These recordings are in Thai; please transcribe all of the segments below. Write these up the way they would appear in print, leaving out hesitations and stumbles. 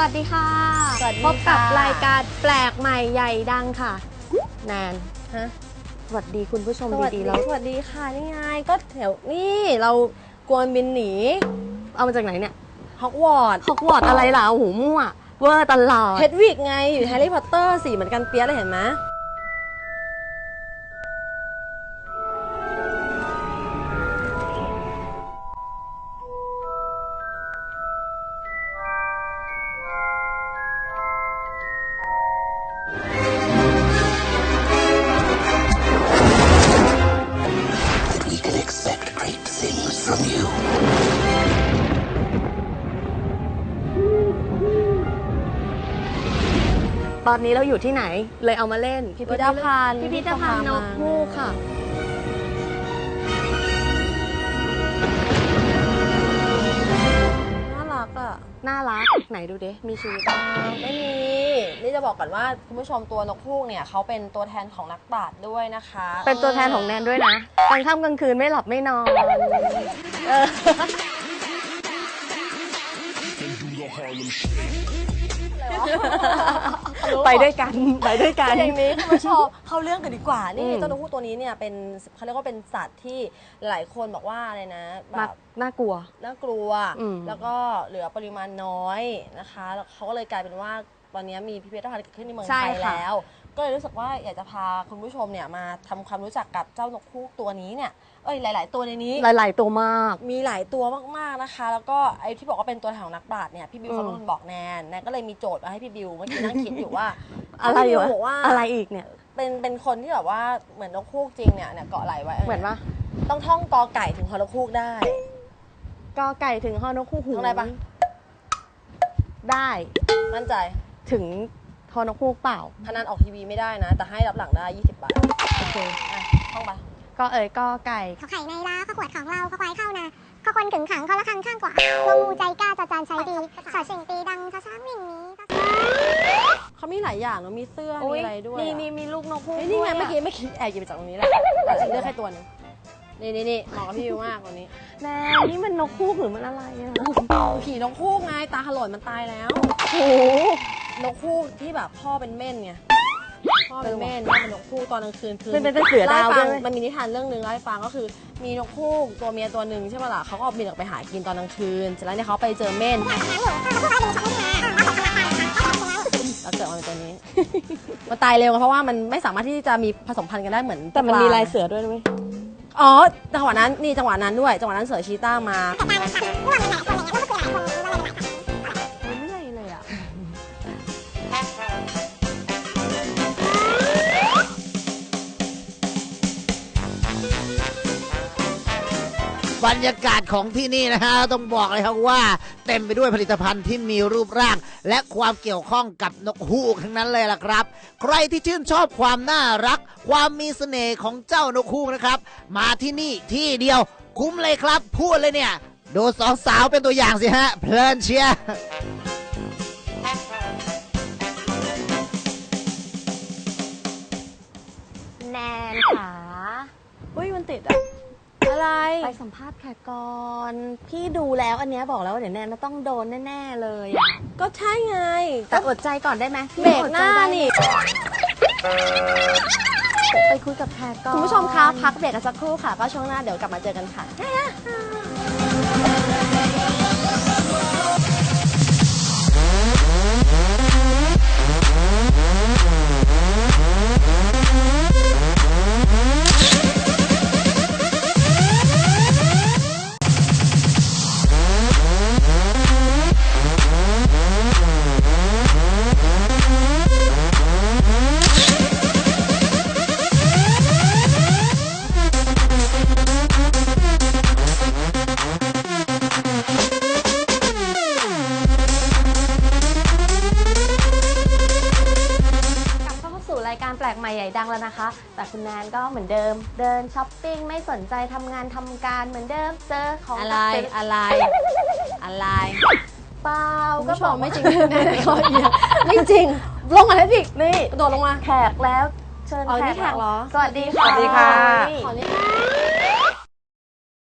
วัสดีค่ะสวัสดีพบกับค่ะรายการแปลกใหม่ใหญ่ดังค่ะแนนฮะสวัสดีคุณผู้ชมสวัสดีดีๆแล้วสวัสดีค่ะนี่ไงก็แถวนี่เรากวนบินหนีเอามาจากไหนเนี่ยฮอกวอตส์ฮอกวอตส์อะไรล่ะโอ้โหมั่วเวอร์ตลอดเฮดวิกไงอยู่แฮร์รี่พอตเตอร์สีเหมือนกันเปียเลยเห็นไหม We can expect great things from you. ตอนนี้เราอยู่ที่ไหนเลยเอามาเล่นพิพิธภัณฑ์พิพิธภัณฑ์นกฮูกค่ะน่ารักอ่ะน่ารักไหนดูดิมีชีวิตไม่มีนี่จะบอกก่อนว่าคุณผู้ชมตัวนกฮูกเนี่ยเขาเป็นตัวแทนของนักปราชญ์ด้วยนะคะเป็นตัวแทนของแนนด้วยนะกลางค่ำกลางคืนไม่หลับไม่นอนเออไปด้วยกันไปด้วยกันอย่างนี้คุณผู้ชมเข้าเรื่องกันดีกว่านี่อืมเจ้านกฮูกตัวนี้เนี่ยเป็นเขาเรียกว่าเป็นสัตว์ที่หลายคนบอกว่าอะไรนะแบมักบน่ากลัวน่ากลัวอืมแล้วก็เหลือปริมาณน้อยนะคะแล้วเขาก็เลยกลายเป็นว่าตอนนี้มีพิพิธภัณฑ์เกิดขึ้นในเมืองไทยแล้ว ก็เลยรู้สึกว่าอยากจะพาคุณผู้ชมเนี่ยมาทำความรู้จักกับเจ้านกฮูกตัวนี้เนี่ยหลาย ๆ ตัวในนี้หลาย ๆ ตัวมากมีหลายตัวมาก ๆ นะคะ แล้วก็ไอ้ที่บอกว่าเป็นตัวแทนของนักปราชญ์เนี่ยพี่บิวเขาเป็นคนบอกแนนก็เลยมีโจทย์มาให้พี่บิวเมื่อกี้นั่งคิดอยู่ว่าอะไรอยู่พี่บิวบอกว่าอะไรอีกเนี่ยเป็นคนที่แบบว่าเหมือนนกฮูกจริงเนี่ยเกาะไหลไว้เหมือนว่าต้องท่องกอไก่ถึงฮอนกฮูกได้กอไก่ถึงฮอนกฮูกหูท่องได้ปะได้มั่นใจถึงฮอนกฮูกเปล่าพนันออกทีวีไม่ได้นะ แต่ให้รับหลังได้ 20 บาทโอเคอ่ะท่องไปก็กอไก่ขอไข่ในลาข้อขวดของเราข้อควายเข้านาข้อคนขึงขังข้อละคังข้างกว่าลงงูใจกล้าจาจานใช้ดีสอดเสียงตีดังช้าช้างวิ่งหนีเขามีหลายอย่างเนาะมีเสื้อมีอะไรด้วยมีลูกนกฮูกเฮ้ยนี่ไงด้วยะเมื่อกี้แอบหยิบมาจากตรงนี้แหละแต่ฉันเลือกแค่ตัวหนึงนี่เหมาะกับพี่บิวมากตัวนี้แน่นี่มันนกฮูกหรือมันอะไรอะผีนกฮูกไงตาถลนมันตายแล้วโอ้โหนกฮูกที่แบบพ่อเป็นเม่นไงพ่อเป็นเม่นแม่เป็นนกฮูกตอนกลางคืนคือเป็นเสือดาวเล่ด้ให้วยฟังมันมีนิทานเรื่องหนึ่งเล่าให้ฟังก็คือ มีนกฮูกตัวเมียตัวหนึ่งใช่ไหมล่ะเขาก็บินออกไปหากินตอนกลางคืนเสร็จแล้วเนี่ยเขาไปเจอเม่นแล้วเกิดมาเป็นตัวนี้ มันตายเร็วไงเพราะว่ามันไม่สามารถที่จะมีผสมพันธุ์กันได้เหมือนแต่มันมีลายปเสือด้วยไหมอ๋อจังหวะนั้นนี่จังหวะนั้นด้วยจังหวะนั้นเสือชีต้ามาไม่เลยอ่ะบรรยากาศของที่นี่นะฮะต้องบอกเลยครับว่าเต็มไปด้วยผลิตภัณฑ์ที่มีรูปร่าง และความเกี่ยวข้องกับนกฮูกทั้งนั้นเลยล่ะครับ ใครที่ชื่นชอบความน่ารัก ความมีเสน่ห์ของเจ้านกฮูกนะครับ มาที่นี่ที่เดียวคุ้มเลยครับพูดเลยเนี่ยดูสองสาวเป็นตัวอย่างสิฮะเพลินเชียร์แนนค่ะอุ้ยมันติดอะอะไรไปสัมภาษณ์แขกก่อนพี่ดูแล้วอันเนี้ยบอกแล้วว่าเดี๋ยวแนนต้องโดนแน่ๆเลยอะก็ใช่ไงแต่อดใจก่อนได้ไหมพี่เบรกอดหใจน้าได้นี่ไปคุยกับแขกก่อนคุณผู้ชมคะพักเบรกกันสักครู่ค่ะก็ช่วงหน้าเดี๋ยวกลับมาเจอกันค่ะกลับเข้าสู่รายการแปลกใหม่ใหญ่ดังแล้วนะคะ แต่คุณแนนก็เหมือนเดิม เดินช้อปปิ้งไม่สนใจทำงานทำการเหมือนเดิมเจอของอะไรซื้อะไรเปล่าคุณก็ผู้ชบอกมไม่จริงแน่ๆขอเอียงไม่จริง ลงมาให้ดินี่กระโดดลงมาแขกแล้วเชิญอ๋อนี่แขกเหรอสวัสดีค่ะสวัสดีค่ะ ขอนี่แยก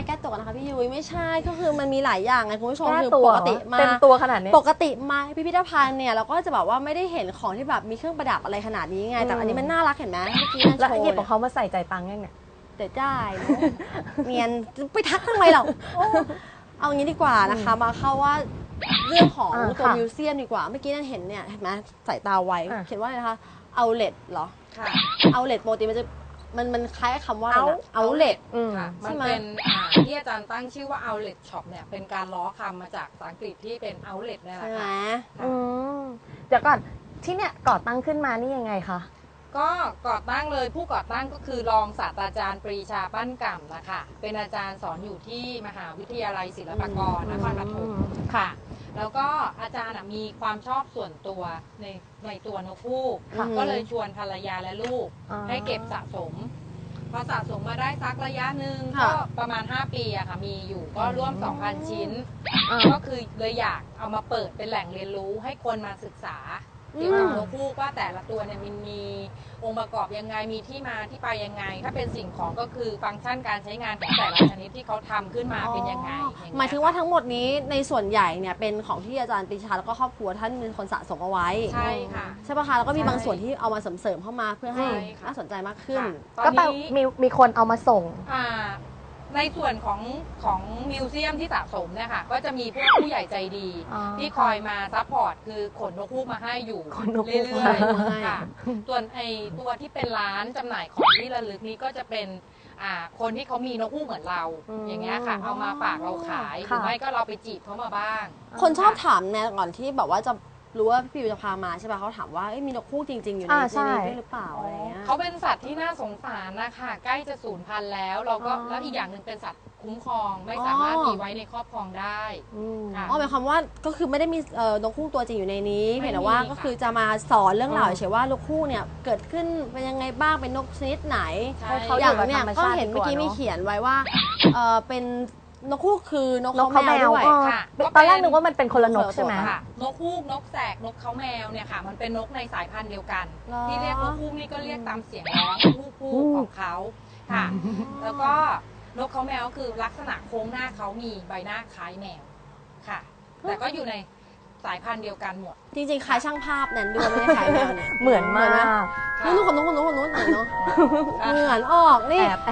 แก้ตัวกันนะคะพี่ยุ้ยไม่ใช่ก็คือมันมีหลายอย่างไงคุณผู้ชมแก้คือตัวปเหรกอติมาเต็มตัวขนาดนี้ปกติมาพิพิธภัณฑ์เนี่ยเราก็จะแบบว่าไม่ได้เห็นของที่แบบมีเครื่องประดับอะไรขนาดนี้ไงแต่อันนี้มันน่ารักเห็นไหมเมื่อกี้นั่นแล้วโชว์หยิบขเนี่อย งเขามาใส่ใจตังค์ยังเนี่ยเดี๋ยวได้เนอะเนียนไปทักทำไมเราเอางี้ดีกว่านะคะมาเข้าว่าเรื่องของอ่าตัวค่ะมิวเซียมดีกว่าเมื่อกี้นั่นเห็นเนี่ยเห็นไหมสายตาไวอ่ะเขียนว่าอะไรนะคะเอาเล t เหรอค่ะเอาเล t ปกติมันจะมันคล้ายกับคำว่าอะไรนะเอาเล t อืมค่ะใช่มันไหมเป็นที่อาจารย์ตั้งชื่อว่า outlet shop เนี่ยเป็นการล้อคำมาจากภาษาอังกฤษที่เป็น outlet นี่แหใช่ละไหมค่ะอืมเดี๋ยวก่อนที่เนี่ยก่อตั้งขึ้นมานี่ยังไงคะก็ก่อตั้งเลยผู้ก่อตั้งก็คือรองศาสตราจารย์ปรีชาปั้นก่ำนะคะเป็นอาจารย์สอนอยู่ที่มหาวิทยาลัยศิลปากรนครปฐมค่ะ แล้วก็อาจารย์มีความชอบส่วนตัวในตัวนกฮูกค่ะก็เลยชวนภรรยาและลูกอ๋อให้เก็บสะสม พอสะสมมาได้สักระยะหนึ่งค่ะก็ประมาณ 5 ปีอะค่ะมีอยู่ก็ร่วม 2,000 ชิ้นอ่าก็คือเลยอยากเอามาเปิดเป็นแหล่งเรียนรู้ให้คนมาศึกษาเกี่ยวกับนกฮูกว่าแต่ละตัวเนี่ยมันมีองค์ประกอบยังไงมีที่มาที่ไปยังไง ถ้าเป็นสิ่งของก็คือฟังก์ชันการใช้งานของแต่ละชนิดที่เขาทำขึ้นมาเป็นยังไงอเหมายถึงว่าทั้งหมดนี้ในส่วนใหญ่เนี่ยเป็นของที่อาจารย์ปรีชาแล้วก็ครอบครัวท่านเป็นคนสะสมเอาไว้ใช่ค่ะใช่ปะคะแล้วก็มีใช่บางส่วนที่เอามาเสริมๆเข้ามาเพื่อให้ใช่ค่ะน่าสนใจมากขึ้นค่ะก็แปลตอนนี้มีคนเอามาส่งอ่าในส่วนของมิวเซียมที่สะสมเนี่ยค่ะก็จะมีพวกผู้ใหญ่ใจดีอ๋อที่คอยมาซัพพอร์ตคือขนนกฮูกมาให้อยู่ขนนกฮูเรื่กอยมาให้ๆค่ะส่วนไอตัวที่เป็นร้านจำหน่ายของที่ระลึกนี้ก็จะเป็นคนที่เขามีนกฮูกเหมือนเรา อย่างเงี้ยค่ะ เอามาฝากเราขายหรือไม่ก็เราไปจีบเขามาบ้างคนชอบถามเนี่ยก่อนที่แบบว่าจะรู้ว่าพี่วิวจะพามาใช่ป่ะเขาถามว่าเอ้ยมีนกฮูกจริง ๆ อยู่ในใช่นี้ด้วยหรือเปล่าอะไรเงี้ยเขาเป็นสัตว์ที่น่าสงสารนะคะใกล้จะสูญพันธุ์แล้วเราก็อ๋อแล้วอีกอย่างหนึ่งเป็นสัตว์คุ้มครองไม่สามารถมีไว้ในครอบครองได้อืมค่ะอ๋อหมายความว่าก็คือไม่ได้มีนกฮูกตัวจริงอยู่ในนี้ไม่มีเพียงแต่ว่าค่ะก็คือจะมาสอนเรื่องราวอืมเฉยๆว่านกฮูกเนี่ยเกิดขึ้นเป็นยังไงบ้างเป็นนกชนิดไหนใช่ให้เขาอย่างอยู่กับเนี่ยธรรมก็ชาติเห็นเมื่อกี้ดีกว่ามีเนอะเขียนไว้ว่าเป็นนกฮูกคือนกนกเขาเขาแมแมววด้วยเออค่ะตอนแรกนึกว่ามันเป็นคนละนกใช่ไหมค่ะนกฮูกนกแสกนกเขาแมวเนี่ยค่ะ มันเป็นนกในสายพันธุ์เดียวกันหรอที่เรียกนกฮูกนี่ก็เรียกตามเสียงร้องฮูกของเขาค่ะ แล้วก็นกเขาแมวก็คือลักษณะโค้งหน้าเขามีใบหน้าคล้ายแมวค่ะ แต่ก็อยู่ในสายพันธุ์เดียวกันหมดจริงๆคล้ายช่างภาพแนนด้วยไม่ได้คล้ายแมวเนี่ยเหมือนมากนู้นคนนู้นคนนู้นคนนู้นเหมือนเนาะเหมือนออกแอนี่บแอบ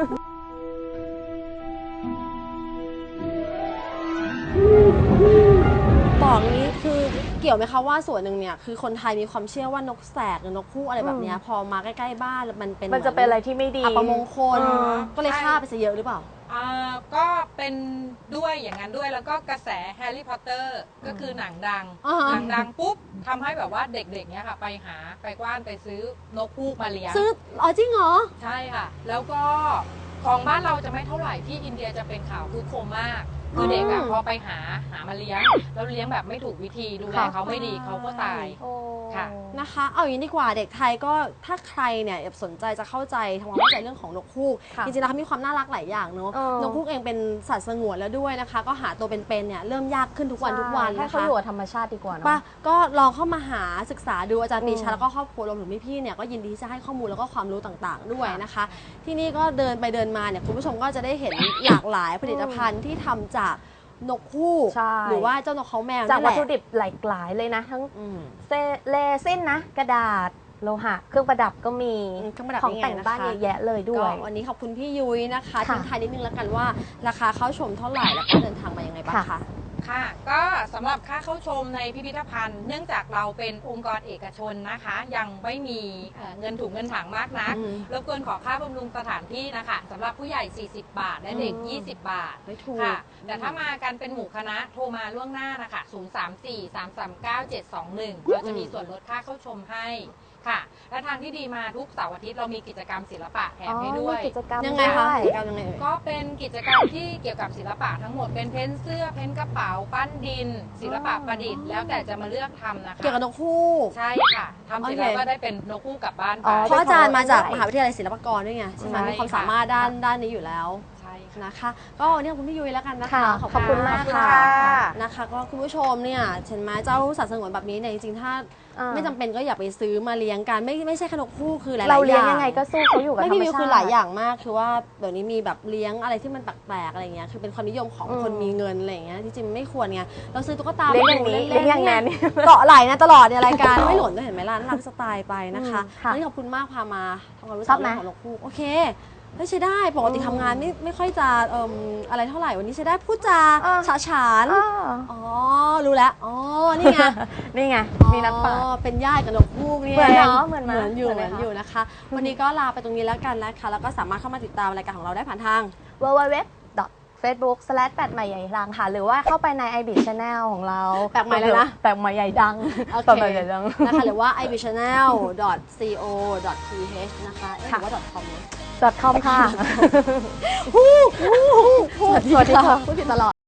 บอกนี้คือเกี่ยวไหมคะว่าส่วนหนึ่งเนี่ยคือคนไทยมีความเชื่อว่านกแสกหรือนกฮูกอะไรแบบเนี้ยพอมาใกล้ๆบ้านแล้วมันเป็นมันจะเป็นอะไรที่ไม่ดีอัปมงคลอืมก็เลยฆ่าไปซะเยอะหรือเปล่าก็เป็นด้วยอย่างนั้นด้วยแล้วก็กระแสแฮร์รี่พอตเตอร์ก็คือหนังดังอ่าฮะหนังดังปุ๊บทำให้แบบว่าเด็กๆเนี่ยค่ะ ไปกว้านไปซื้อนกฮูกมาเลี้ยงซื้ออ๋อจริงเหรอใช่ค่ะ แล้วก็ของบ้านเราจะไม่เท่าไหร่ที่อินเดียจะเป็นข่าวคือโคมมากคือเด็กอะพอไปหามาเลี้ยง แล้วเลี้ยงแบบไม่ถูกวิธีดูแลเขาไม่ดีเขาก็ตายโอ้ค่ะนะคะ เอาอย่างนี้ดีกว่าเด็กไทยก็ถ้าใครเนี่ยสนใจจะเข้าใจทำความเข้าใจเรื่องของนกฮูกค่ะจริงๆแล้วเขามีความน่ารักหลายอย่างเนอะเออนกฮูกเองเป็นสัตว์สงวนแล้วด้วยนะคะ ก็หาตัวเป็นๆเนี่ยเริ่มยากขึ้นทุกวันทุกวันให้นะเขาคะอยู่กับธรรมชาติดีกว่าเนป่ะอะก็ลองเข้ามาหาศึกษาดูอาจารย์ปรีชาอืมแล้วก็ครอบครัวรวมถึงพี่ๆเนี่ยก็ยินดีที่จะให้ข้อมูลแล้วก็ความรู้ต่างๆด้วยนะคะ ที่นี่ก็เดินไปเดินมาเนี่ยคุณผู้ชมก็จะได้เห็นหลากหลายผลิตภัณฑ์ที่ทำจากนกฮูกใช่หรือว่าเจ้านกเขาแมวจากนั่นแหวัตละถุดิบหลากหลายเลยนะ ทั้งอืมเลซินนะ กระดาษ โลหะ เครื่องประดับก็มีเครื่องประดับของนี่ไงแต่งบ้านนะคะเยอะแยะเลยด้ก็วยวันนี้ขอบคุณพี่ยุ้ยนะคะค่ะทิ้งท้ายนิดนึงแล้วกันว่าราคาเข้าชมเท่าไหร่แล้วก็เดินทางมายังไงบ้างค่ะคะค่ะก็สำหรับค่าเข้าชมในพิพิธภัณฑ์ เนื่องจากเราเป็นองค์กรเอกชนนะคะ ยังไม่มีเงินถุงเงินถังมากนักอืมรบกวนขอค่าบำรุงสถานที่นะคะสำหรับผู้ใหญ่ 40 บาท และเด็ก 20 บาทไม่ถูกค่ะ แต่ถ้ามากันเป็นหมู่คณะโทรมาล่วงหน้านะคะ 034-339-721 เราจะมีส่วนลดค่าเข้าชมให้ค่ะ และทางที่ดีมาทุกเสาร์อาทิตย์เรามีกิจกรรมศิลปะแถมให้ด้วยมีกิจกรรมยังไงคะด้วกิจกรรมยังไงเอ่ยก็เป็นกิจกรรมที่เกี่ยวกับศิลปะทั้งหมดเป็นเพ้นเสื้อเพ้นกระเป๋าปั้นดิน ศิลปะประดิษฐ์แล้วแต่จะมาเลือกทำนะคะเกี่ยวกับนกฮูกใช่ค่ะทำเสร็จแล้วโอเคก็ได้เป็นนกฮูกกลับบ้านไปอ๋อเพราะอาจารย์มาจากมหาวิทยาลัยศิลปากรด้วยไงใช่ไหมใช่มีความสามารถด้านนี้อยู่แล้วใช่นะคะก็วันนี้ขอบคุณพี่ยุ้ยแล้วกันนะคะค่ะขอบคุณมากค่ะนะคะก็คุณผู้ชมเนี่ยเห็นไหมเจ้าสัตว์สงวนแบบนี้เนี่ยจริงๆถ้าไม่จำเป็นก็อย่าไปซื้อมาเลี้ยงกันไม่ใช่ขนมคู่คือหลายๆอเราย่างเลี้ยงยังไงก็สู้เขาอยู่กับไม่ธรรพี่มวิวชาติคือหลายอย่างมากคือว่าเดี๋ยวนี้มีแบบเลี้ยงอะไรที่มันแปลกๆอะไรเงี้ยคือเป็นความนิยมของคนมีเงินอะไรเงี้ยที่จริงไม่ควรไงเราซื้อตุ๊กตาเลี้ยงอย่างนี้มาดูเลี้ยงอย่างนั้นเกาะไหลนะตลอดในรายการไม่หล่นด้วยเห็นไหมล่ะน่ารักสไตล์ไปนะคะค่ะวันนี้ขอบคุณมากพามาทำความรู้ชจัอก บไหมเรื่องของนกฮูกโอเคใช้ได้ปกติทำงานไม่ค่อยจะอะไรเท่าไหร่วันนี้ใช้ได้พูดจาฉาฉาน อ๋อ รู้แล้ว อ๋อ นี่ไงนี่ไงมีนักปราชญ์อ๋อเป็นญาติกับนกฮูกนี่เหมือนงเนาะเหมือนไหมเหมือนอยู่เหเหมืมืออน นไหมคะอยู่นะคะ วันนี้ก็ลาไปตรงนี้แล้วกันนะคะ แล้วก็สามารถเข้ามาติดตามรายการของเราได้ผ่านทาง www.facebook/ แปดใหม่ใหญ่ดังค่ะ หรือว่าเข้าไปใน IB Channel ของเราแปลกใหม่เลยนะแปลกใหม่ใหญ่ดังโอแปลกเคใหม่ใหญ่ดังนะคะหรือว่า ibchannel.co.th นะคะเอ๊ะหรือว่า .com นะ .com ค่ะสวัสดีค่ะพูดผิดตลอด